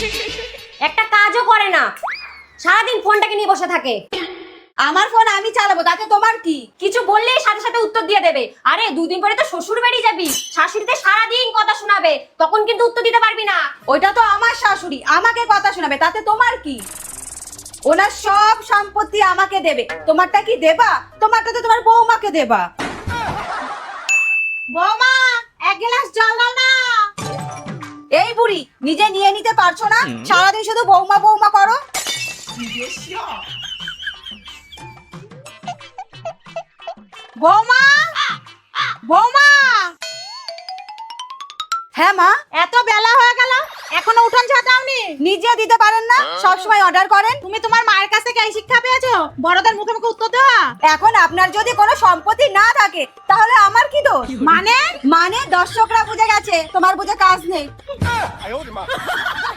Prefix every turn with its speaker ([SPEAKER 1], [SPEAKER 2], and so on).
[SPEAKER 1] একটা কাজও করে না, সারাদিন ফোনটাকে নিয়ে বসে থাকে।
[SPEAKER 2] আমার ফোন আমি চালাবো, তাতে তোমার কি?
[SPEAKER 1] কিছু বললেই সাথে সাথে উত্তর দিয়ে দেবে। আরে দুদিন পরে তো শ্বশুর বাড়ি যাবি, শাশুড়িতে সারাদিন কথা শোনাবে, তখন কিন্তু উত্তর দিতে পারবি না।
[SPEAKER 2] ওইটা তো আমার শাশুড়ি, আমাকে কথা শোনাবে, তাতে তোমার কি? ওনার সব সম্পত্তি আমাকে দেবে, তোমারটা কি দেবা? তোমারটা তো তোমার বৌমাকে দেবা। বৌমা, এক গ্লাস জল দাও না। এই বুড়ি, নিজে নিয়ে নিতে পারছো না? সারাদিন শুধু বৌমা বৌমা করো। বৌমা, বৌমা। হ্যাঁ মা,
[SPEAKER 3] এত বেলা হয়ে গেল, এখনো উঠোন ঝাঁটাওনি?
[SPEAKER 2] নিজে দিতে পারেন না, সব সময় অর্ডার করেন।
[SPEAKER 3] তুমি তোমার মায়ের কাছ থেকে এই শিক্ষা পেয়েছো, বড়দের মুখে মুখে উত্তর দেওয়া?
[SPEAKER 2] এখন আপনার যদি কোনো সম্পত্তি না থাকে তাহলে আমার কি দোষ? মানে দর্শকরা বুঝে গেছে, তোমার বুঝে কাজ নেই।